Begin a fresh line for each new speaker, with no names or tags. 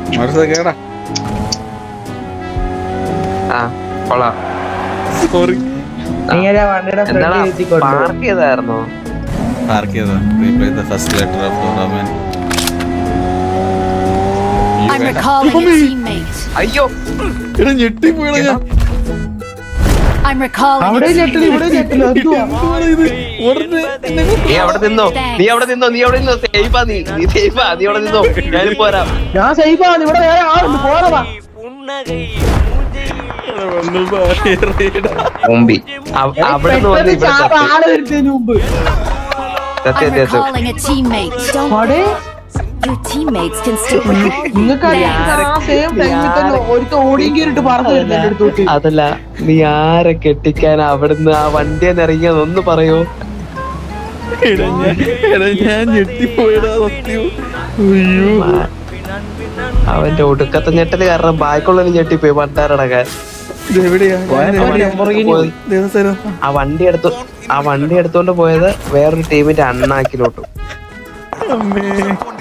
കേടാ.
കൊള്ളാം.
Sorry.
Park ചെയ്തായിരുന്നോ?
പാർക്ക് ചെയ്താ. Replay the first letter of tournament.
I'm recalling a teammate.
അയ്യോ
എടാ ഞെട്ടിപ്പോയടാ ഞാൻ.
I'm recalling a teammate.
നീ അവിടെ നിന്നോ, നീ അവിടെ നിന്നോ, നീ അവിടെ നിന്നോ. സേഫാ നീ സേഫാ, നീ അവിടെ നിന്നോ. ഞാൻ പോരാം.
ഞാൻ സേഫാണ്. ഇവിടെ വേറെ ആളുണ്ട്. പോരാ.
മുമ്പി അവിടെ നിന്ന് വന്ന് ഇവിടെ തട്ടി.
ആള് വരുന്നതിന് മുമ്പ്
സത്യം
I'm recalling a teammate. Don't your teammates can still recall.
നിങ്ങൾക്ക് ആ സെയിം ടൈമിൽ തന്നെ ഒരുത്ത ഓടിയും കയറിട്ട് പറഞ്ഞു വരുന്നത് എന്റെ അടുത്തോട്ട്.
അതല്ല, നീ ആരെ കെട്ടിക്കാൻ അവിടുന്ന് ആ വണ്ടിയെന്ന് ഇറങ്ങിയതൊന്ന് പറയോ?
ഞാൻ ഞെട്ടിപ്പോയടാ സത്യം. അയ്യോ
അവന്റെ ഒടുക്കത്തെ ഞെട്ടല് കാരണം ബാക്കിയുള്ളവന് ഞെട്ടിപ്പോയി പണ്ടാരടക്കാൻ.
ഇതെവിടെയാ?
ആ വണ്ടി എടുത്തോണ്ട് പോയത് വേറൊരു ടീമിന്റെ അണ്ണാക്കിലോട്ട്.
അമ്മേ